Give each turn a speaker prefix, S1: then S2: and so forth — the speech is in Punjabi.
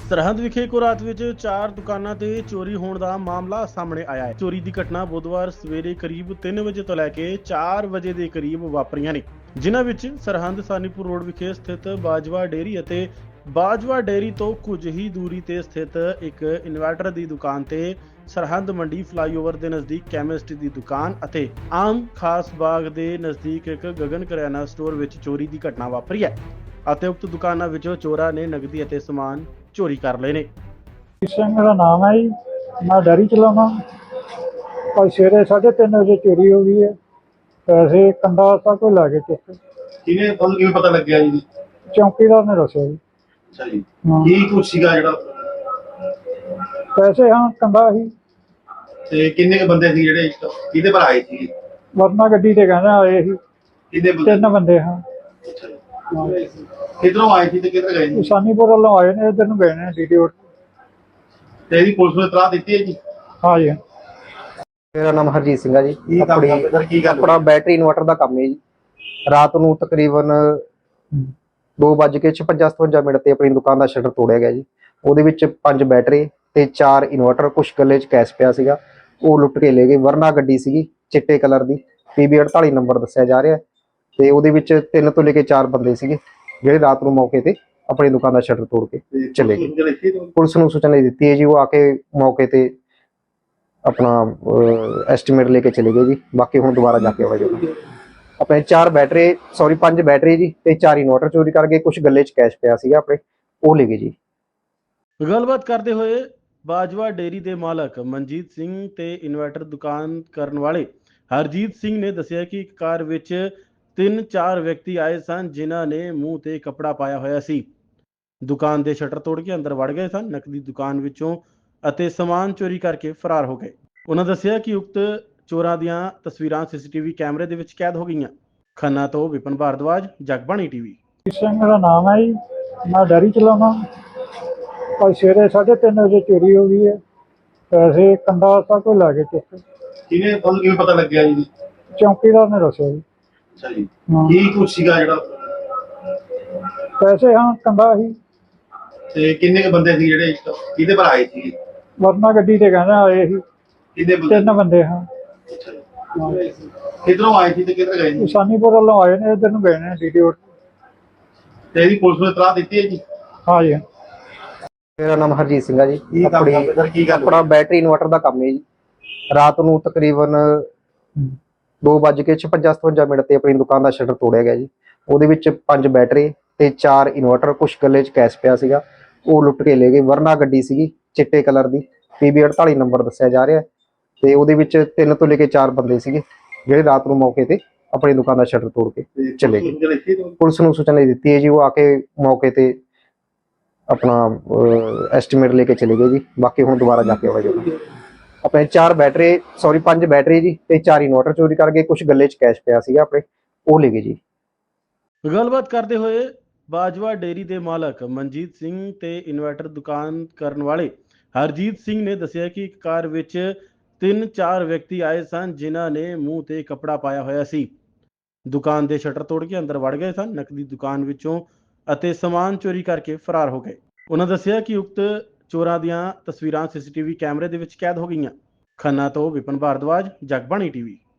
S1: ਸਰਹੰਦ ਵਿਖੇ ਇੱਕੋ ਰਾਤ ਵਿੱਚ 4 ਦੁਕਾਨਾਂ ਤੇ ਚੋਰੀ ਹੋਣ ਦਾ ਮਾਮਲਾ ਸਾਹਮਣੇ ਆਇਆ ਹੈ। ਚੋਰੀ ਦੀ ਘਟਨਾ ਬੁੱਧਵਾਰ ਸਵੇਰੇ ਕਰੀਬ 3 ਵਜੇ ਤੋਂ ਲੈ ਕੇ 4 ਵਜੇ ਦੇ ਕਰੀਬ ਵਾਪਰੀਆਂ ਨੇ, ਜਿਨ੍ਹਾਂ ਵਿੱਚ ਸਰਹੰਦ ਸਾਨੀਪੁਰ ਰੋਡ ਵਿਖੇ ਸਥਿਤ ਬਾਜਵਾ ਡੇਅਰੀ ਅਤੇ ਬਾਜਵਾ ਡੇਅਰੀ ਤੋਂ ਕੁਝ ਹੀ ਦੂਰੀ ਤੇ ਸਥਿਤ ਇੱਕ ਇਨਵਰਟਰ ਦੀ ਦੁਕਾਨ ਤੇ ਸਰਹੰਦ ਮੰਡੀ ਫਲਾਈਓਵਰ ਦੇ ਨਜ਼ਦੀਕ ਕੈਮਿਸਟ ਦੀ ਦੁਕਾਨ ਅਤੇ ਆਮ ਖਾਸ ਬਾਗ ਦੇ ਨਜ਼ਦੀਕ ਇੱਕ ਗਗਨ ਕਰਿਆਨਾ ਸਟੋਰ ਵਿੱਚ ਚੋਰੀ ਦੀ ਘਟਨਾ ਵਾਪਰੀ ਹੈ ਅਤੇ ਉਕਤ ਦੁਕਾਨਾਂ ਵਿੱਚੋਂ ਚੋਰਾਂ ਨੇ ਨਕਦੀ ਅਤੇ ਸਮਾਨ ਚੋਰੀ ਕਰ ਲਏ ਨੇ।
S2: ਸਿੰਘ ਮੇਰਾ ਨਾਮ ਹੈ ਜੀ। ਮੈਂ ਡੈਰੀ ਚਲਾਉਣਾ। ਅੱਜ ਸਵੇਰੇ 3:30 ਵਜੇ ਚੋਰੀ ਹੋ ਗਈ ਹੈ। ਪੈਸੇ ਕੰਡਾ ਸਭ ਕੁਝ ਲੈ ਕੇ ਚੁੱਕੇ।
S3: ਕਿਵੇਂ ਤੁਹਾਨੂੰ ਕਿਵੇਂ ਪਤਾ ਲੱਗਿਆ ਜੀ?
S2: ਚੌਕੀਦਾਰ ਨੇ ਦੱਸਿਆ ਜੀ।
S3: ਅੱਛਾ ਜੀ। ਕੀ ਕੁਛ ਸੀਗਾ ਜਿਹੜਾ?
S2: ਪੈਸੇ ਹਾਂ ਕੰਡਾ ਸੀ।
S3: ਤੇ ਕਿੰਨੇ ਕੁ ਬੰਦੇ ਸੀ ਜਿਹੜੇ ਕਿਹਦੇ ਪਰ ਆਏ ਸੀ?
S2: ਵਰਨਾ ਗੱਡੀ ਤੇ ਕਹਿੰਦੇ ਆਏ ਸੀ।
S3: ਕਿੰਨੇ ਬੰਦੇ?
S2: 3 ਬੰਦੇ ਹਾਂ।
S3: ਅੱਛਾ ਜੀ। ਕਿੱਧਰੋਂ ਆਏ ਸੀ ਤੇ ਕਿੱਧਰ ਗਏ ਜੀ?
S2: ਸਾਨੀਪੁਰ ਵੱਲੋਂ ਆਏ ਨੇ, ਇੱਧਰ ਨੂੰ ਗਏ ਨੇ ਡੀਟੀ ਰੋਡ।
S3: ਤੇ ਇਹਦੀ ਪੁਲਿਸ ਨੂੰ ਇਤਲਾਹ ਦਿੱਤੀ ਹੈ ਜੀ?
S2: ਹਾਂ ਜੀ।
S4: ਮੇਰਾ ਨਾਮ ਹਰਜੀਤ ਸਿੰਘ ਹੈ ਜੀ।
S3: ਕੀ ਕੰਮ ਕਰਦੇ ਸਰ? ਕੀ ਗੱਲ?
S4: ਆਪਣਾ ਬੈਟਰੀ ਇਨਵਰਟਰ ਦਾ ਕੰਮ ਹੈ ਜੀ। ਰਾਤ ਨੂੰ ਤਕਰੀਬਨ 2:56-57 ਤੇ ਆਪਣੀ ਦੁਕਾਨ ਦਾ ਸ਼ਟਰ ਤੋੜਿਆ ਗਿਆ ਜੀ। ਉਹਦੇ ਵਿੱਚ 5 ਬੈਟਰੀ ਤੇ 4 ਇਨਵਰਟਰ, ਕੁਛ ਗੱਲੇ 'ਚ ਕੈਸ਼ ਪਿਆ ਸੀਗਾ, ਉਹ ਲੁੱਟ ਕੇ ਲੈ ਗਏ। ਵਰਨਾ ਗੱਡੀ ਸੀਗੀ ਚਿੱਟੇ ਕਲਰ ਦੀ, PB 48 ਨੰਬਰ ਦੱਸਿਆ ਜਾ ਰਿਹਾ ਤੇ ਉਹਦੇ ਵਿੱਚ 3 ਤੋਂ ਲੈ ਕੇ 4 ਬੰਦੇ ਸੀਗੇ ਜਿਹੜੇ ਰਾਤ ਨੂੰ ਮੌਕੇ ਤੇ ਆਪਣੀ ਦੁਕਾਨ ਦਾ ਸ਼ਟਰ ਤੋੜ ਕੇ ਚਲੇ ਗਏ। ਪੁਲਿਸ ਨੂੰ ਸੂਚਨਾ ਦਿੱਤੀ ਹੈ ਜੀ, ਉਹ ਆ ਕੇ ਮੌਕੇ ਤੇ ਆਪਣਾ ਐਸਟੀਮੇਟ ਲੈ ਕੇ ਚਲੇ ਗਏ ਜੀ। ਬਾਕੀ ਹੁਣ ਦੁਬਾਰਾ ਜਾ ਕੇ ਆਵਾਂਗੇ। ਆਪਣੇ 5 ਬੈਟਰੀ ਜੀ ਤੇ 4 ਇਨਵਰਟਰ ਚੋਰੀ ਕਰ ਗਏ। ਕੁਝ ਗੱਲੇ 'ਚ ਕੈਸ਼ ਪਿਆ ਸੀਗਾ ਆਪਣੇ, ਉਹ ਲੈ ਗਏ ਜੀ।
S1: ਗੱਲਬਾਤ ਕਰਦੇ ਹੋਏ ਬਾਜਵਾ ਡੇਅਰੀ ਦੇ ਮਾਲਕ ਮਨਜੀਤ ਸਿੰਘ ਤੇ ਇਨਵਰਟਰ ਦੁਕਾਨ ਕਰਨ ਵਾਲੇ ਹਰਜੀਤ ਸਿੰਘ ਨੇ ਦੱਸਿਆ ਕਿ ਇੱਕ ਕਾਰ ਵਿੱਚ 3-4 ਵਿਅਕਤੀ ਆਏ ਸਨ, ਜਿਨ੍ਹਾਂ ਨੇ ਮੂੰਹ ਤੇ ਕੱਪੜਾ ਪਾਇਆ ਹੋਇਆ ਸੀ। ਦੁਕਾਨ ਦੇ ਸ਼ਟਰ ਤੋੜ ਕੇ ਅੰਦਰ ਵੜ ਗਏ ਸਨ, ਨਕਦੀ ਦੁਕਾਨ ਵਿੱਚੋਂ ਅਤੇ ਸਮਾਨ ਚੋਰੀ ਕਰਕੇ ਫਰਾਰ ਹੋ ਗਏ। ਉਹਨਾਂ ਦੱਸਿਆ ਕਿ ਉਕਤ ਚੋਰਾਂ ਦੀਆਂ ਤਸਵੀਰਾਂ CCTV ਕੈਮਰੇ ਦੇ ਵਿੱਚ ਕੈਦ ਹੋ ਗਈਆਂ। ਖੰਨਾ ਤੋਂ ਵਿਪਨ ਭਾਰਦਵਾਜ, ਜਗਬਾਣੀ TV।
S2: ਸਿੰਘ ਮੇਰਾ ਨਾਮ ਹੈ ਜੀ। ਮੈਂ ਡੈਰੀ ਚਲਾਉਣਾ। ਅੱਜ ਸਵੇਰੇ 3:30 ਵਜੇ ਚੋਰੀ ਹੋ ਗਈ ਹੈ। ਪੈਸੇ ਕੰਡਾ ਸਭ ਕੁਝ ਲੈ ਕੇ ਚੁੱਕੇ।
S3: ਕਿਵੇਂ ਤੁਹਾਨੂੰ ਕਿਵੇਂ ਪਤਾ ਲੱਗਿਆ ਜੀ?
S2: ਚੌਕੀਦਾਰ ਨੇ ਦੱਸਿਆ ਜੀ।
S3: ਅੱਛਾ ਜੀ। ਕੀ ਕੁਛ ਸੀਗਾ ਜਿਹੜਾ?
S2: ਪੈਸੇ ਹਾਂ ਕੰਡਾ ਸੀ।
S3: ਤੇ ਕਿੰਨੇ ਕੁ ਬੰਦੇ ਸੀ ਜਿਹੜੇ ਕਿਹਦੇ ਪਰ ਆਏ ਸੀ?
S2: ਵਰਨਾ ਗੱਡੀ ਤੇ ਕਹਿੰਦੇ ਆਏ ਸੀ।
S3: ਕਿੰਨੇ ਬੰਦੇ?
S2: 3 ਬੰਦੇ ਹਾਂ।
S3: ਅੱਛਾ ਜੀ। ਕਿੱਧਰੋਂ ਆਏ ਸੀ ਤੇ ਕਿੱਧਰ ਗਏ ਜੀ?
S2: ਸਾਨੀਪੁਰ ਵੱਲੋਂ ਆਏ ਨੇ, ਇੱਧਰ ਨੂੰ ਗਏ ਨੇ ਡੀਟੀ ਰੋਡ।
S3: ਤੇ ਇਹਦੀ ਪੁਲਿਸ ਨੂੰ ਇਤਲਾਹ ਦਿੱਤੀ ਹੈ ਜੀ?
S2: ਹਾਂ ਜੀ।
S4: ਮੇਰਾ ਨਾਮ ਹਰਜੀਤ ਸਿੰਘ ਹੈ ਜੀ।
S3: ਕੀ ਕੰਮ ਕਰਦੇ ਸਰ? ਕੀ ਗੱਲ?
S4: ਆਪਣਾ ਬੈਟਰੀ ਇਨਵਰਟਰ ਦਾ ਕੰਮ ਹੈ ਜੀ। ਰਾਤ ਨੂੰ ਤਕਰੀਬਨ 2:56-57 ਤੇ ਆਪਣੀ ਦੁਕਾਨ ਦਾ ਸ਼ਟਰ ਤੋੜਿਆ ਗਿਆ ਜੀ। ਉਹਦੇ ਵਿੱਚ 5 ਬੈਟਰੀ ਤੇ 4 ਇਨਵਰਟਰ, ਕੁਛ ਗੱਲੇ 'ਚ ਕੈਸ਼ ਪਿਆ ਸੀਗਾ, ਉਹ ਲੁੱਟ ਕੇ ਲੈ ਗਏ। ਵਰਨਾ ਗੱਡੀ ਸੀਗੀ ਚਿੱਟੇ ਕਲਰ ਦੀ, PB 48 ਨੰਬਰ ਦੱਸਿਆ ਜਾ ਰਿਹਾ ਤੇ ਉਹਦੇ ਵਿੱਚ 3 ਤੋਂ ਲੈ ਕੇ 4 ਬੰਦੇ ਸੀਗੇ ਜਿਹੜੇ ਰਾਤ ਨੂੰ ਮੌਕੇ ਤੇ ਆਪਣੀ ਦੁਕਾਨ ਦਾ ਸ਼ਟਰ ਤੋੜ ਕੇ ਚਲੇ ਗਏ। ਪੁਲਿਸ ਨੂੰ ਸੂਚਨਾ ਦਿੱਤੀ ਹੈ ਜੀ, ਉਹ ਆ ਕੇ ਮੌਕੇ ਤੇ ਆਪਣਾ ਐਸਟੀਮੇਟ ਲੈ ਕੇ ਚਲੇ ਗਏ ਜੀ। ਬਾਕੀ ਹੁਣ ਦੁਬਾਰਾ ਜਾ ਕੇ ਆਵਾਂਗੇ। ਆਪਣੇ 5 ਬੈਟਰੀ ਜੀ ਤੇ 4 ਇਨਵਰਟਰ ਚੋਰੀ ਕਰ ਗਏ। ਕੁਝ ਗੱਲੇ 'ਚ ਕੈਸ਼ ਪਿਆ ਸੀਗਾ ਆਪਣੇ, ਉਹ ਲੈ ਗਏ ਜੀ।
S1: ਗੱਲਬਾਤ ਕਰਦੇ ਹੋਏ ਬਾਜਵਾ ਡੇਅਰੀ ਦੇ ਮਾਲਕ ਮਨਜੀਤ ਸਿੰਘ ਤੇ ਇਨਵਰਟਰ ਦੁਕਾਨ ਕਰਨ ਵਾਲੇ ਹਰਜੀਤ ਸਿੰਘ ਨੇ ਦੱਸਿਆ ਕਿ ਇੱਕ ਕਾਰ ਵਿੱਚ 3-4 ਵਿਅਕਤੀ ਆਏ ਸਨ, ਜਿਨ੍ਹਾਂ ਨੇ ਮੂੰਹ ਤੇ ਕੱਪੜਾ ਪਾਇਆ ਹੋਇਆ ਸੀ। ਦੁਕਾਨ ਦੇ ਸ਼ਟਰ ਤੋੜ ਕੇ ਅੰਦਰ ਵੜ ਗਏ ਸਨ, ਨਕਦੀ ਦੁਕਾਨ ਵਿੱਚੋਂ ਅਤੇ ਸਮਾਨ ਚੋਰੀ ਕਰਕੇ ਫਰਾਰ ਹੋ ਗਏ। ਉਹਨਾਂ ਦੱਸਿਆ ਕਿ ਉਕਤ ਚੋਰਾਂ ਦੀਆਂ ਤਸਵੀਰਾਂ CCTV ਕੈਮਰੇ ਦੇ ਵਿੱਚ ਕੈਦ ਹੋ ਗਈਆਂ। ਖੰਨਾ ਤੋਂ ਵਿਪਨ ਭਾਰਦਵਾਜ, ਜਗਬਾਣੀ TV।